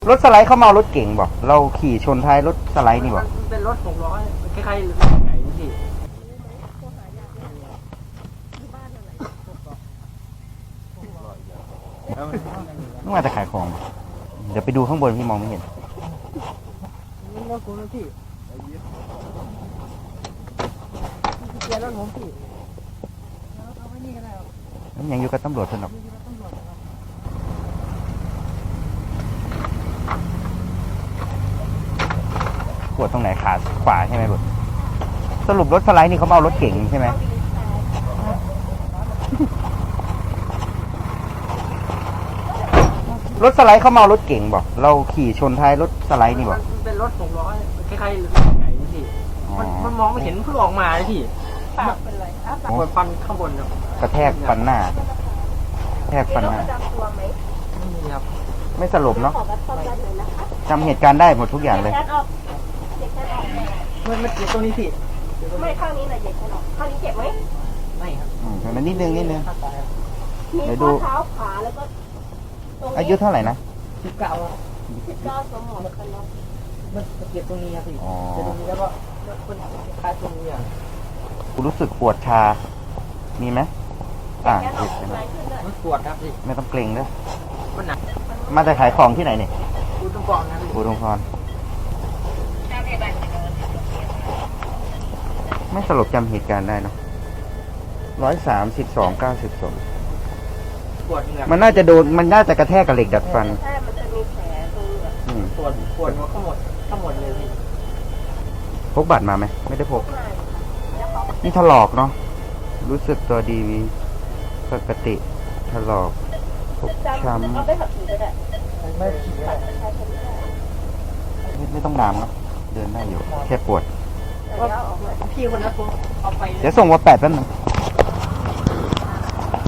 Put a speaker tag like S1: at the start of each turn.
S1: รถสไลด์เขาเมารถเก่งบอกเราขี่ชนท้ายรถสไลด์นี่บอก
S2: มันเป็นรถ600คล้ายๆรถใหญ่พี่
S1: ต้องมาจะขายของเดี๋ยวไปดูข้างบนพี่มองไม่เห็น
S2: นี่รถกูนะพี่เกียร์รถผมพี่เอาไว้นี่ก็ได้ครับ
S1: ยังอยู่กับตำรวจสนุกปวดตรงไหนขาขวาใช่ไหมบุตรสรุปรถสไลด์นี่เขาเมารถเก่งใช่ไหมรถสไลด์เขาเมารถเก่งบอกเราขี่ชนท้ายรถสไลด์นี่บอก
S2: มันเป็นรถ600คล้ายๆรถใหญ่พี่มันมองไม่เห็นเพิ่งออกมาเลยพี่ปากเป็นไรปวดฟันข้างบนครับ
S1: กระแทกฟันหน้าแทกฟันหน้า
S2: ไม่มีครับ
S1: ไม่สลบเนาะจำเหตุการณ์ได้หมดทุกอย่างเลย
S2: มันเจ็บตรงนี้พี่
S3: ไม่ข้างนี้นะเจ็บหรอกข้างนี้เจ็บไหม
S2: ไม่ครับ
S1: มันนิดนึง
S3: มีข้อเท้าขาแล้วก็
S1: อายุเท่าไหร่นะ
S2: 19ครับ
S3: 19สมองกันเนาะ
S2: มันเจ็บตรงนี้ครับพี่เจ็บตรงนี้แล้วก็คนคล้ายตรงนี้อ่ะ
S1: คุณรู้สึกปวดชามีไหมเจ็บ
S2: มันปวดครับพี่
S1: ไม่ต้องเกร็งด้วย
S2: มันหนัก
S1: มาจะขายของที่ไหนเนี่ย
S2: อุดมพรนะ
S1: อุดมพรไม่สลบจำเหตุการณ์ได้เนาะ132/92มันน่าจะโดนมันน่าจะกระแทกกับเหล็กดัดฟัน
S3: ใช่มันจะมีแผลตรงนี้
S2: ปวดทั้งหมดเลยพี่
S1: พกบัตรมาไหมไม่ได้พกนี่ถลอกเนาะรู้สึกตัวดีปกติถลอกฟกช้ำ
S3: เอาไปขับขี่ก็ได้
S1: ไม่ต้องน้ำเนาะเดินได้อยู่แค่ปวด
S2: พี่คนนั้นผมเอาไป
S1: เดี๋ยวส่งว่า8แป๊บนึง